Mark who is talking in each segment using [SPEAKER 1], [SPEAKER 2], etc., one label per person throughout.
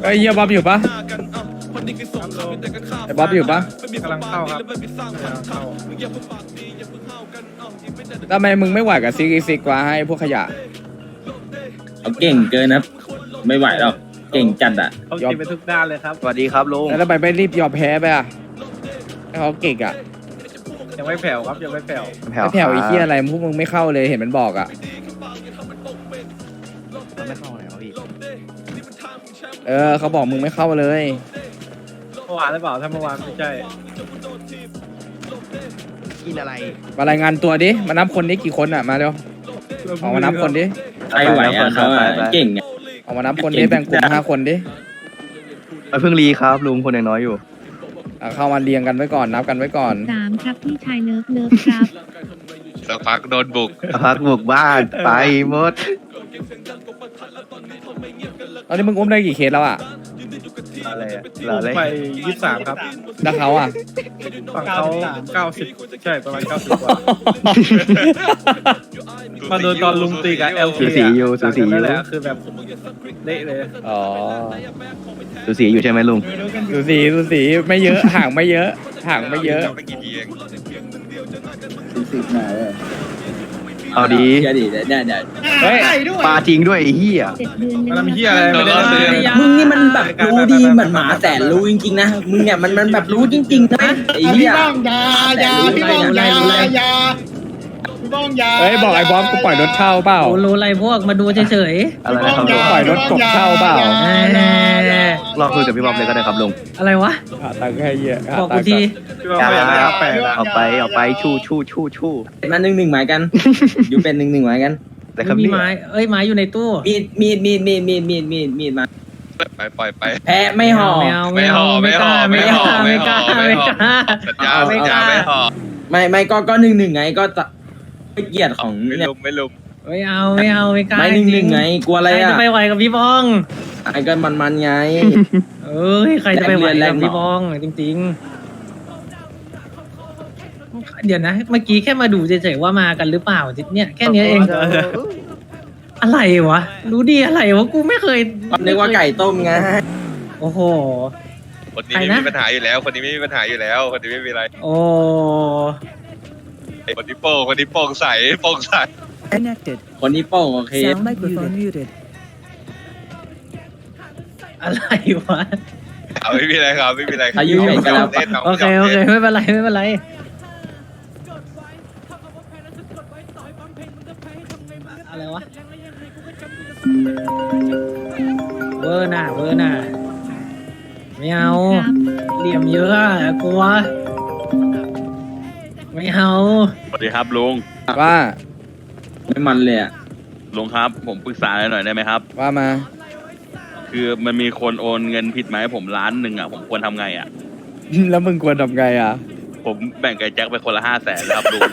[SPEAKER 1] ไอ้เฮียบ๊อบอยู่ปะไอ้บ๊อบอยู่ปะ
[SPEAKER 2] กำลังเข้าครับกำลังเข้า
[SPEAKER 1] ทำไมมึงไม่ไหวกับซิกซิกวะให้พวกขยะ
[SPEAKER 3] เขาเก่งเกินนะไม่ไหวหรอกเก่งจัดอ่ะ
[SPEAKER 2] เขากินไปทุกด้านเลยครับ
[SPEAKER 4] สวัสดีครับลุง
[SPEAKER 1] แล้วทำไมไม่รีบยอมแพ้ไปอ่ะให้เขาเก่งอ่ะ
[SPEAKER 2] ยังไม่แผ่วครับยังไม่แผ่ว
[SPEAKER 1] ไม่แผ่วไอ้เฮียอะไรพวกมึงไม่เข้าเลยเห็นมันบอกอ่ะ
[SPEAKER 4] ไม่เข้าไหนวะพี่
[SPEAKER 1] เขาบอกมึงไม่เข้าเลย
[SPEAKER 2] เมื่อวานหรือเปล่าถ้าเมื่อวานไม่ใช่
[SPEAKER 4] กินอะไร
[SPEAKER 1] มารายงานตัวดิมานับคนนี้กี่คนอ่ะมาเร็วออกมานับคนดิ
[SPEAKER 3] ใครไหวอ่ะเขาอ่ะเก่งอ่ะ
[SPEAKER 1] ออกมานับคนดิแบ่งกลุ่ม5 คนดิ
[SPEAKER 4] เพิ่งรีครับลุงคนยังน้อยอยู่
[SPEAKER 1] เข้ามาเรียงกันไว้ก่อนนับกันไว้ก่อน
[SPEAKER 5] 3 ครับพี่ชายเลิฟครับ
[SPEAKER 6] สักพักโดนบุก
[SPEAKER 4] พักบุกบ้านไปหมด
[SPEAKER 1] ตอนนี้มึงอุ้มได้กี่เคสแล้วอ่ะ
[SPEAKER 4] อะไรอะ
[SPEAKER 2] ลงไป23ครับ
[SPEAKER 1] แล้วเขาอ่ะ
[SPEAKER 2] ฝั่งเขา90ใช่ประมาณ90กว่ามาโดนตอนลุงตีกับ LK
[SPEAKER 4] สูสีอยู่สูสีอยู่
[SPEAKER 2] นั่นแหละคือแบบเละเลย
[SPEAKER 1] อ๋อ
[SPEAKER 4] สูสีอยู่ใช่ไหมลุง
[SPEAKER 1] สูสีไม่เยอะห่างไม่เยอะห่างไม่เยอะ
[SPEAKER 6] ไปกี่ทีเอง
[SPEAKER 4] เอาดี
[SPEAKER 3] เดี๋ยวดิเดี๋ยว
[SPEAKER 1] เฮ้ย
[SPEAKER 4] ปลาจริงด้วยไอ้เหี้ย
[SPEAKER 5] 7 เดือน
[SPEAKER 2] มันทำเหี้ยอะไรไม่ได้เลย
[SPEAKER 3] มึงนี่มันแบบรู้ดีเหมือนหมาแสนรู้จริงๆนะมึงเนี่ยมันแบบรู้จริงๆนะไอ้เหี้ย
[SPEAKER 7] พี่บ้องยาพี่บ้องยา
[SPEAKER 1] เฮ้ยบอกไอ้บอมกูปล่อยรถเช่าเปล่า
[SPEAKER 8] รู้อะไรพวกมาดูเฉย
[SPEAKER 4] อะไรนะครับลุง
[SPEAKER 1] ปล่อยรถกบเช่าเปล่า
[SPEAKER 4] รอคุยกับพี่บ๊อบเลยก็ได้ครับลุง
[SPEAKER 8] ๆอะไรวะ
[SPEAKER 1] หาตังค์ให้เยอะหา
[SPEAKER 8] บอก
[SPEAKER 1] ตั
[SPEAKER 8] กู
[SPEAKER 1] งค์
[SPEAKER 8] ที
[SPEAKER 1] ก่อน
[SPEAKER 2] พี่ว่าไม่อยากได้แปลกอะ
[SPEAKER 4] เอาไปชู่
[SPEAKER 3] มา1-1หมายกันอยู่เป็น1-1หมายกัน
[SPEAKER 4] แต่ครับ
[SPEAKER 8] มี
[SPEAKER 4] นี่
[SPEAKER 8] ไม้เอ้ยไม้อยู่ในตู้
[SPEAKER 3] มีดมา
[SPEAKER 6] ไปปล่อยไป
[SPEAKER 3] แพ้ไม่ห่อ
[SPEAKER 8] ไม่เอา
[SPEAKER 6] ไม่ห่อไม่ห่อไม่ห่อไม่ห่อไม่ห่อสัญญาสัญญาไม่ห่อ
[SPEAKER 3] ไม่ก็1-1ไงก็ไม่เกียรติของ
[SPEAKER 6] ไม่
[SPEAKER 3] เนี่ย
[SPEAKER 6] ลุมไม่ลุม
[SPEAKER 8] ไม่เอาไม่กล้า
[SPEAKER 3] ไม่1-1ไงกลัวอะไร
[SPEAKER 8] ใคร
[SPEAKER 3] อ่ะ
[SPEAKER 8] จะไปไหวกับพี่บอง
[SPEAKER 3] ไอ้ก็มันไง
[SPEAKER 8] เอ้ยใครจะไปไหว
[SPEAKER 3] แร
[SPEAKER 8] กับ
[SPEAKER 3] ง
[SPEAKER 8] พี่บองจริงๆเดี๋ยวนะ เมื่อกี้แค่มาดูเฉยๆว่ามากันหรือเปล่าเนี่ยแค่เนี้ยเองอะไรวะรู้ดีอะไรวะกูไม่เคย
[SPEAKER 3] นึกว่าไก่ต้มไง
[SPEAKER 8] โอ้โห
[SPEAKER 6] คนนี้ไม่มีปัญหาอยู่แล้ว คนนี้ไม่มีปัญหาอยู่แล้ว คนนี้ไม่มีอะไร
[SPEAKER 8] โอ้
[SPEAKER 6] คนนี้โป่งใสโป่งใส
[SPEAKER 9] Connected.
[SPEAKER 3] คนนี้โป้งโอเค
[SPEAKER 9] Sound microphone muted.
[SPEAKER 8] อะไรวะ
[SPEAKER 6] เอาไม่มีอะไรครับไม่มีอะไร
[SPEAKER 3] อายุใหญ่กันแล้ว
[SPEAKER 6] เล่นน้อง
[SPEAKER 8] โอเคโอเคไม่เป็นไรไม่เป็นไรอะไรวะเวอร์น่ะไม่เอา
[SPEAKER 5] ครับ
[SPEAKER 8] เหลี่ยมเยอะอะกลัวไม่เอา
[SPEAKER 10] สวัสดีครับลุง
[SPEAKER 1] ว่า
[SPEAKER 3] ไม่มันเลยอ่ะ
[SPEAKER 10] ลุงครับ ผมปรึกษาหน่อยได้ไหมครับ
[SPEAKER 1] ว่ามา
[SPEAKER 10] คือมันมีคนโอนเงินผิดมาให้ผม1,000,000อ่ะผมควรทำไงอ่ะ
[SPEAKER 1] แล้วมึงควรทำไงอ่ะ
[SPEAKER 10] ผมแบ่งกับแจ็คไปคนละ500,000แล้วครับลุง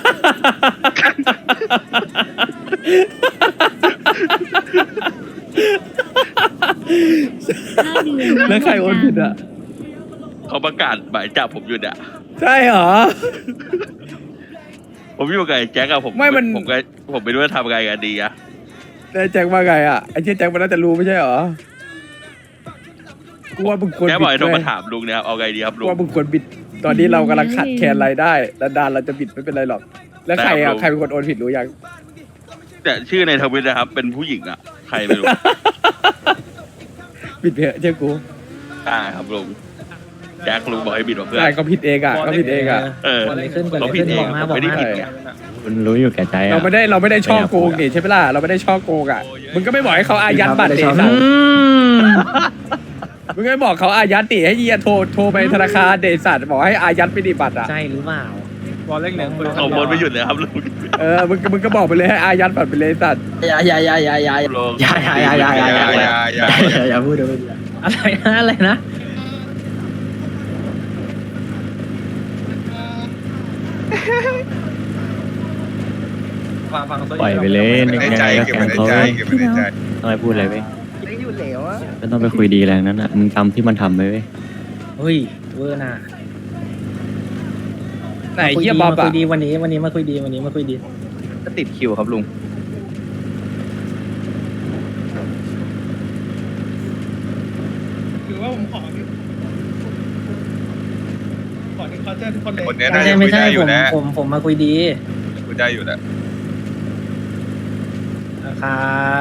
[SPEAKER 5] 5 เดือน
[SPEAKER 1] แล้วใครโอนผิดอ่ะ
[SPEAKER 10] เขาประกาศหมายจับผมอยู่เนี่ย
[SPEAKER 1] ใช่เหรอ
[SPEAKER 10] ผมอยู่กับไอ้แจ็คอะผม
[SPEAKER 1] ไม่มัน
[SPEAKER 10] ผมไม่รู้จะทำไงกันดีอะ
[SPEAKER 1] แล้วแจ็คว่าไงอ่ะไอ้เจ๊แจ็คมันน่าจะรู้ไม่ใช่เหรอกูว่ามึงควร
[SPEAKER 10] แจ็ค
[SPEAKER 1] บิ
[SPEAKER 10] บอก
[SPEAKER 1] ด
[SPEAKER 10] ให้โทร
[SPEAKER 1] เว้
[SPEAKER 10] มาย ถามลุงเนี่ยครับเอาไงดีครับ
[SPEAKER 1] กู
[SPEAKER 10] ลุง
[SPEAKER 1] ว่ามึงควรบิด ตอนนี้เรากำลังขัดแคลนรายได้ดานเราจะบิดไม่เป็นไรหรอก แล้วใคร
[SPEAKER 10] ได้ครั
[SPEAKER 1] อ่ะ
[SPEAKER 10] บ
[SPEAKER 1] ใครเป็นคนโอนผิดรู้ยัง
[SPEAKER 10] แต่ชื่อในทวิตนะครับ เป็นผู้หญิงอะใครไม่รู้
[SPEAKER 1] บิดเพอะเชื่อกู
[SPEAKER 10] ได้ครับลุงแจ็คลุงบอกให้บิดมาเพื่อน
[SPEAKER 1] ใช่ก็ผิดเองอ่ะก็ผิดเองอ่ะ
[SPEAKER 10] เออ
[SPEAKER 8] เกิดอะไรขึ้นเกิดอะ
[SPEAKER 10] เขา
[SPEAKER 8] ไร
[SPEAKER 10] ผิด
[SPEAKER 8] ขึ้น
[SPEAKER 10] เอง
[SPEAKER 8] บอกมา
[SPEAKER 10] ผม
[SPEAKER 8] บอก
[SPEAKER 10] ไม่ได้
[SPEAKER 8] มา
[SPEAKER 10] ผิดไง
[SPEAKER 4] คุณรู้อยู่แก่ใจ
[SPEAKER 1] เราไม่ได้ช่อโกงนี่ใช่ไหมล่ะเราไม่ได้ช่อโกงอ่ะมึงก็ไม่บอกให้เขาอายัดบัตรเดซัน มึงก็ไม่บอกเขาอายัดดิให้เยียโทรไปธนาคารเดซันบอกให้อายัดไปดิบัตรอ่ะ
[SPEAKER 8] ใช่หรือเปล่า
[SPEAKER 2] บอลเล็กเหลืองคน
[SPEAKER 10] เขาบนไม่หยุดเลยครับลุง
[SPEAKER 1] มึงก็บอกไปเลยให้อายัดบัตรไปเลยสัตว์
[SPEAKER 3] อย่า
[SPEAKER 10] ลุง
[SPEAKER 4] อย่าพูดเลย
[SPEAKER 8] อะไรนะ
[SPEAKER 2] ฟัง
[SPEAKER 10] ปล่อยไปเลย
[SPEAKER 6] ในใจเก็บไว้ในใจเก็บไว้ในใจ
[SPEAKER 10] ทำไมพูดอะไรเว้ย
[SPEAKER 4] ไม่อยู่เหลวอะ
[SPEAKER 10] ไม่ต้องไปคุยดีแรงนั้นอ่ะมึงทำที่มันทำไปเว้ย
[SPEAKER 8] เฮ้ยเวอร์น่ะ
[SPEAKER 1] ไหนเฮียบ๊อบ
[SPEAKER 8] มาคุ
[SPEAKER 1] อ่ะ
[SPEAKER 8] ยดีวันนี้มาคุยดี
[SPEAKER 4] ก็ติดคิวครับลุง
[SPEAKER 7] ผมขอหนึ่งเคาน์เตอร์ทุกคนเลย
[SPEAKER 6] คนเนี้ย
[SPEAKER 8] ไม่
[SPEAKER 6] ได้
[SPEAKER 8] ใช่ไม่ใช่
[SPEAKER 6] อยู่แล้ว
[SPEAKER 8] ผมมาคุยดี
[SPEAKER 6] คุยได้อยู่แล้ว
[SPEAKER 8] นะครับ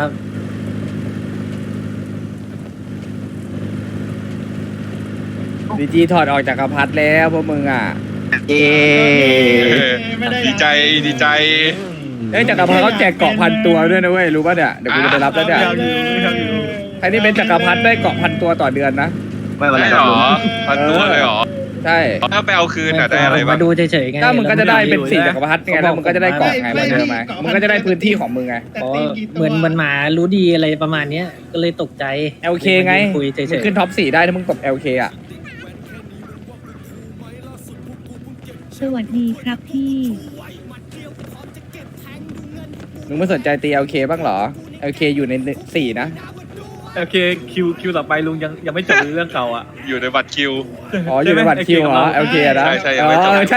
[SPEAKER 1] ดีจีถอดออกจากกระพัดแล้วพวกมึงอ่ะ
[SPEAKER 4] เย้
[SPEAKER 7] ไม่ได้
[SPEAKER 6] ดีใจดีใจ
[SPEAKER 1] เอ้ยจักรพรรดิเขาแจกเกาะพันตัวด้วยนะเว้ยรู้ป่ะเนี่ยเดี๋ยวกูจะไปรับแล้วเนี่ยใครที่เป็นจักรพรรดิได้เกาะพันตัวต่อเดือนนะ
[SPEAKER 4] ไม่เป็นไร
[SPEAKER 6] ได้
[SPEAKER 4] ค
[SPEAKER 6] ห
[SPEAKER 4] รับ
[SPEAKER 6] ร
[SPEAKER 4] ลุ
[SPEAKER 6] อง พันตัวเลยเหรอ
[SPEAKER 1] ใช่
[SPEAKER 6] ถ้าไปเอาคืนอ่ะได้อะไร
[SPEAKER 8] ผม
[SPEAKER 6] บ้าง
[SPEAKER 8] มาดูเฉยๆไง
[SPEAKER 1] ถ้ามึงก็จะได้เป็น4จักรพรรดิไงแล้วมึงก็จะได้เกาะไงเหมือนเดิมไหมมึงก็จะได้พื้นที่ของมึงไง
[SPEAKER 7] แต่
[SPEAKER 8] อ๋อ
[SPEAKER 7] ตีกี่ตัว
[SPEAKER 8] เหมือนหมารู้ดีอะไรประมาณเนี้ยก็เลยตกใจ
[SPEAKER 1] LK ไง
[SPEAKER 8] คุยเฉ
[SPEAKER 1] มึง
[SPEAKER 8] ย
[SPEAKER 1] ขึ้นท็อป4ได้ถ้ามึงตบ LK อ่ะ
[SPEAKER 5] สวัสดีครับพี่
[SPEAKER 1] มึงไม่สนใจตี LK บ้างเหรอ LK อยู่ใน4นะ
[SPEAKER 2] โอเคคิวต่อไปลุงยังไม่จบเรื่องเก่าอ่ะ
[SPEAKER 6] อยู่ในบัตรคิว
[SPEAKER 1] อ๋ออยู่ในบัตรคิวเหรอ LK อะนะ
[SPEAKER 6] ใช่
[SPEAKER 1] อ๋
[SPEAKER 6] ยังไม่จบ
[SPEAKER 1] อใช่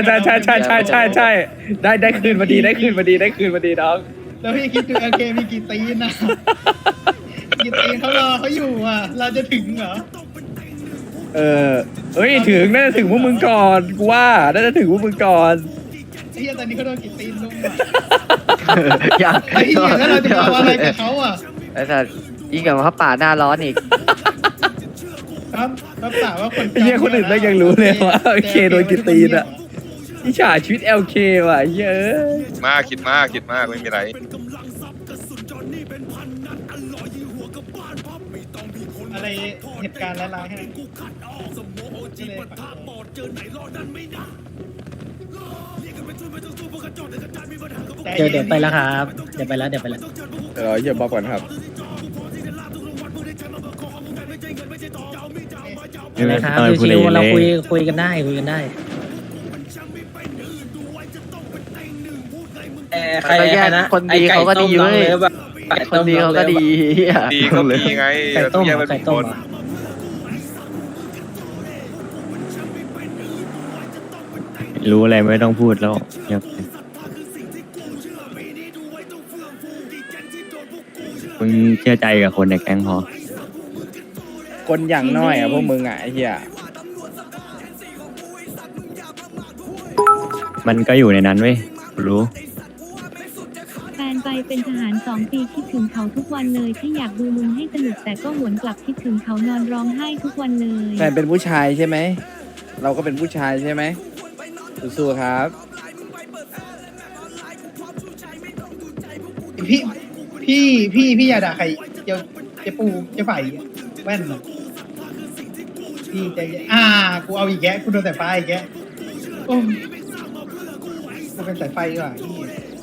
[SPEAKER 1] ได้คืนมาดีได้คืนมาดีน้อง
[SPEAKER 7] แล้วพี่คิดดูโอเคมีกี่ตีนนะกี่ตีนเขารอเขาอยู่อ่ะ เราจะถึงเหรอ
[SPEAKER 1] เอ้ยถึงน่าจะถึงพวกมึงก่อนกูว่าน่าจะถึงพวกมึงก่อน
[SPEAKER 7] ไอ้เหี้ยตอนนี้เขาโดนกี่ตีนลุงอ่ะ
[SPEAKER 4] อยาก
[SPEAKER 7] ไอ้เหี้ยแล้วเราจะเอาอะไรกับเขาอ่ะ
[SPEAKER 4] ไอ้สัตว์ยิ่งกับเขาป่าหน้าร้อนอีก
[SPEAKER 7] ครับรับสาวว่าคน
[SPEAKER 1] ไอ้เหี้ยคนอื่นไม่ยังรู้เลยว่า LK โดนกี่ตีนอะอิจฉาชีวิต LK ว่ะเย้ย
[SPEAKER 6] มากคิดมากไม่มีไร
[SPEAKER 7] อะไรเหตุการณ์ร้ายๆให้
[SPEAKER 8] ๆเดี๋ยวไปแล้วครับ เดี๋ยวไปแล้ว
[SPEAKER 1] เดี๋ยวเราเยี่ยมบอกก่อนครับ
[SPEAKER 8] นะครับชิวๆเราคุยกันได้คุยกันได้
[SPEAKER 3] ใครนะ
[SPEAKER 4] คนดีเขาก็ดีเว้ย คนดีเขาก็ดี
[SPEAKER 6] ดีก็มีไง
[SPEAKER 8] ไก่ต้ม
[SPEAKER 6] แยก
[SPEAKER 8] เหร
[SPEAKER 6] เป็
[SPEAKER 8] อน ไก่
[SPEAKER 6] ค
[SPEAKER 8] ต้ม
[SPEAKER 6] น
[SPEAKER 8] เหรอ
[SPEAKER 4] รู้อะไรไม่ต้องพูดแล้วมึงเชื่อใจกับคนในแก๊งพอ
[SPEAKER 1] คนอย่างน้อยอ่ะพวกมึงอ่ะไอ้เหี้ย
[SPEAKER 4] มันก็อยู่ในนั้นเว้ยรู้
[SPEAKER 5] แฟนไปเป็นทหาร2 ปีคิดถึงเขาทุกวันเลยที่อยากดูลุงให้สนุกแต่ก็หวนกลับคิดถึงเขานอนร้องไห้ทุกวันเลย
[SPEAKER 1] แฟนเป็นผู้ชายใช่ไหมเราก็เป็นผู้ชายใช่ไหมสู้ๆครับ
[SPEAKER 7] พี่อย่าด่าใครจะปูจะไฝ่แว่นน่ะพี่ใจเย็นกูเอาอีกแกกูโดนแต่ไฟอีกแกโอ้กูเป็นสายไฟดีกว่าพี่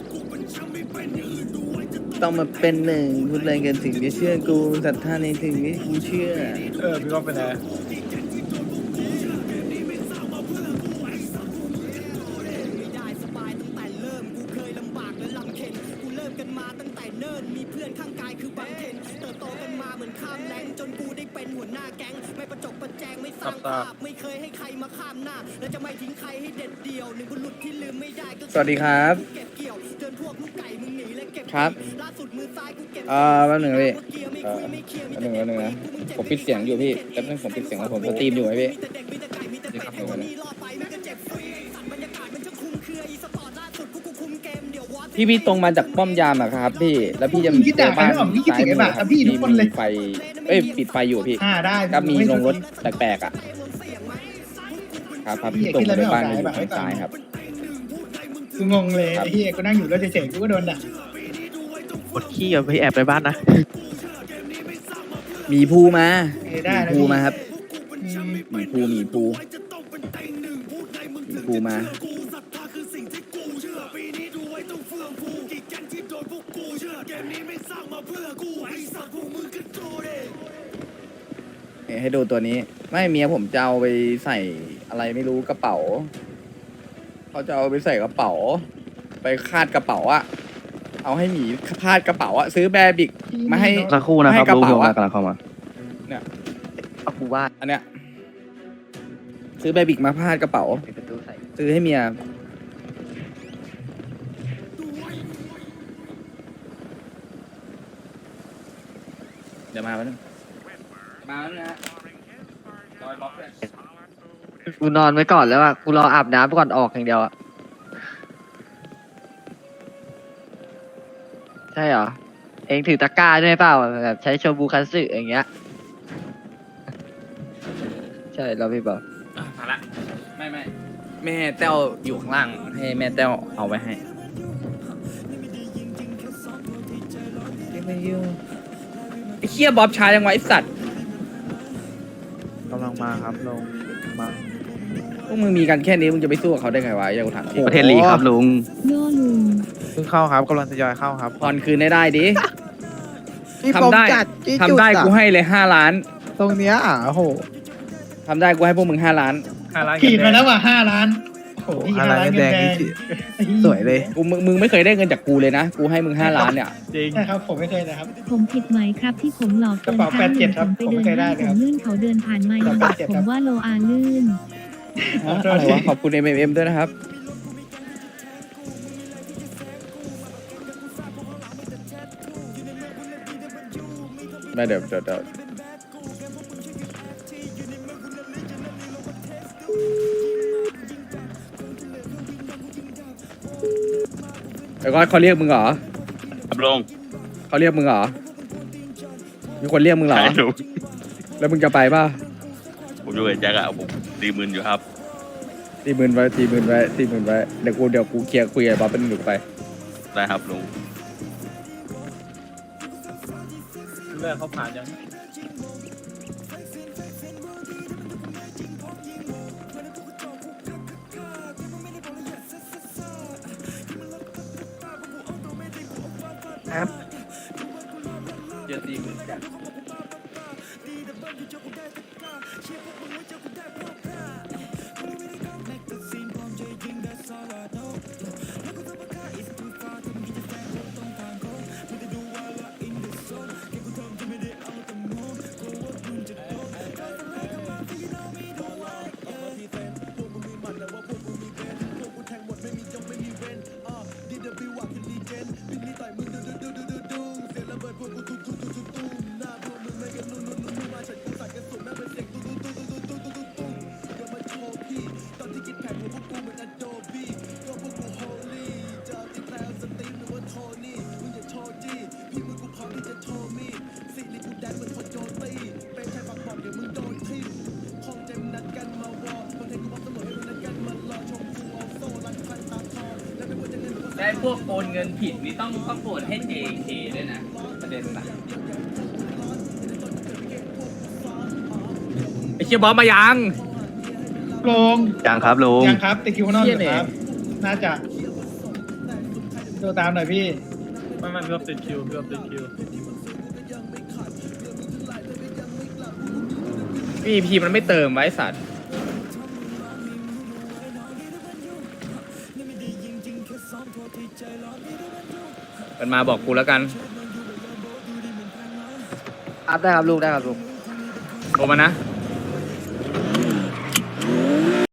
[SPEAKER 1] ต้องมาเป็นหนึ่งพูดอะไรกันถึงจะเชื่อกูศรัทธาในถึงที่กูเชื่อ
[SPEAKER 2] พี่ว่าเป็นไง
[SPEAKER 1] สวัสดีครับครับแป๊บหนึ่งพี่แป๊บหนึ่งนะผมปิดเสียงอยู่พี่แป๊บนึงผมปิดเสียงแล้วผมสตรีมอยู่ไหมพี่พี่ตรงมาจากป้อมยามอะครับพี่แล้วพี่จะ
[SPEAKER 7] พี่ด่าใครไม่ออกพี่คิดถึงไอ้บ่าครับพี่ทุกคนเลย
[SPEAKER 1] มีไฟปิดไฟอยู่พี่
[SPEAKER 7] ได้
[SPEAKER 1] ก็มีลงรถแปลกๆอ่ะครับพี่ตรงไปบ้านอยู่ทางซ้ายครับ
[SPEAKER 7] กูงงเลยไอ้เหี้ยกูนั่งอยู่แล้วเฉยๆกูก็โดนด่า
[SPEAKER 4] กดขี้เอาไปแอบในบ้านนะ
[SPEAKER 1] มีภูมา
[SPEAKER 7] ได้นะ
[SPEAKER 1] ภู
[SPEAKER 7] พี่
[SPEAKER 1] มาครับมีภูมาให้ดูตัวนี้ไม่เมียผมจะเอาไปใส่อะไรไม่รู้กระเป๋าเขาจะเอาไปใส่กระเป๋าไปคาดกระเป๋าอะเอาให้หมีคาดกระเป๋าอะซื้อแบร์บิกมาให้
[SPEAKER 4] สักครู่นะครับ
[SPEAKER 1] ให้กระ
[SPEAKER 4] รู้
[SPEAKER 1] เป๋า
[SPEAKER 4] อยู่
[SPEAKER 1] อะ
[SPEAKER 4] ว่ากำลังเข้ามา
[SPEAKER 1] เนี่ย
[SPEAKER 4] เอากูว่า
[SPEAKER 1] อันเนี้ยซื้อแบร์บิกมาพาดกระเป๋า
[SPEAKER 4] ปิดประตูใส่
[SPEAKER 1] ซื้อให้เมียเดี๋ยวมาแล้วนึงมาแล้วนะ
[SPEAKER 9] กูนอนไว้ก่อนแล้วอะกูรออาบน้ำก่อนออกอย่างเดียวอะใช่เหรอ เองถือตะกร้าด้วยเปล่าแบบใช้โชบูคันสึอย่างเงี้ย ใช่เราพี่บอก
[SPEAKER 2] มาละ
[SPEAKER 1] ไม่แม่แต้วอยู่ข้างล่างให้แม่แต้วเอาไว้ให้ไม่ยุ่งไอ้เคียบ๊อบช้ายังไงไอ้สัตว์
[SPEAKER 2] กำลังมาครับลงมา
[SPEAKER 1] พวกมึงมีกันแค่นี้มึงจะไปสู้กับเขาได้ไงวะอย่ากูถามจริง
[SPEAKER 4] ประเทศลีครับลุง
[SPEAKER 5] โย่ลุง
[SPEAKER 2] เพิ่งเข้าครับกำลังทยอยเข้าครับ
[SPEAKER 1] ผ่อนคืนได้ดิทำได้กูให้เลย5 ล้าน
[SPEAKER 2] ตรงเนี้ยโอ้โห
[SPEAKER 1] ทำได้กูให้พวกมึง5 ล้าน
[SPEAKER 7] ขีดมาแล้วว่ะ5 ล้านโอ้โหพี่5 ล้านเงินแดง
[SPEAKER 2] สวยเลย
[SPEAKER 1] มึงไม่เคยได้เงินจากกูเลยนะกูให้มึง5 ล้านเนี่ย
[SPEAKER 2] จริง
[SPEAKER 7] ใช่ครับผมไม่เคยนะครับ
[SPEAKER 5] ผมผิดไหมครับที่ผมหลอกเกิน
[SPEAKER 7] กระเป๋า
[SPEAKER 5] ครั้งหนึ่ง
[SPEAKER 7] 87ครับ
[SPEAKER 5] ผมไปเดิน
[SPEAKER 7] ผมไม่เคยได้
[SPEAKER 5] ห้าง
[SPEAKER 7] เลยครับ
[SPEAKER 5] ผมลื่นเขาเดินผ่านมายังบอก
[SPEAKER 7] 87
[SPEAKER 5] ผมว่าโลอาลื่น
[SPEAKER 1] อะไรวะขอบคุณ MMM ด้วยนะครับไม่เดี๋ยวแล้วก็เขาเรียกมึงเหรอ
[SPEAKER 10] ครับลุง
[SPEAKER 1] เขาเรียกมึงเหรอมีคนเรียกมึงเหรอ
[SPEAKER 10] ใช่ลุง
[SPEAKER 1] แล้วมึงจะไปป่ะ
[SPEAKER 10] ผมอยู่กับแจ็คอะผม40,000อยู่ครับ
[SPEAKER 1] 40,000ไว้เดี๋ยวกูเคลียร์คุยกับบ๊อบเป็นหนึ่งไป
[SPEAKER 10] ได้ครับลุง
[SPEAKER 2] เรื่องเขาผ่านยัง
[SPEAKER 1] เจอ40,000กัน ได้พวกโอนเงินผิดนี่ต้องโอนให้ JK ด้วยนะประเด็นน่ะไอ้เชี่ยบอสมายัง
[SPEAKER 7] ลง
[SPEAKER 4] ยังครับลุง
[SPEAKER 7] ยังครับติดคิวข้างนอกอยู่
[SPEAKER 1] เหี้ย
[SPEAKER 7] ค
[SPEAKER 1] เนี่ย
[SPEAKER 7] รับ น่าจะดูตามหน่อยพี่
[SPEAKER 2] ไม่พี่ว่าติดคิวพี่ว่าติดคิว
[SPEAKER 1] พี่มันไม่เติมไว้สัตว์มันมาบอกกูแล้วกัน
[SPEAKER 9] ครับได้ครับลุงได้ครับลุง
[SPEAKER 1] โทรมานะ
[SPEAKER 9] ค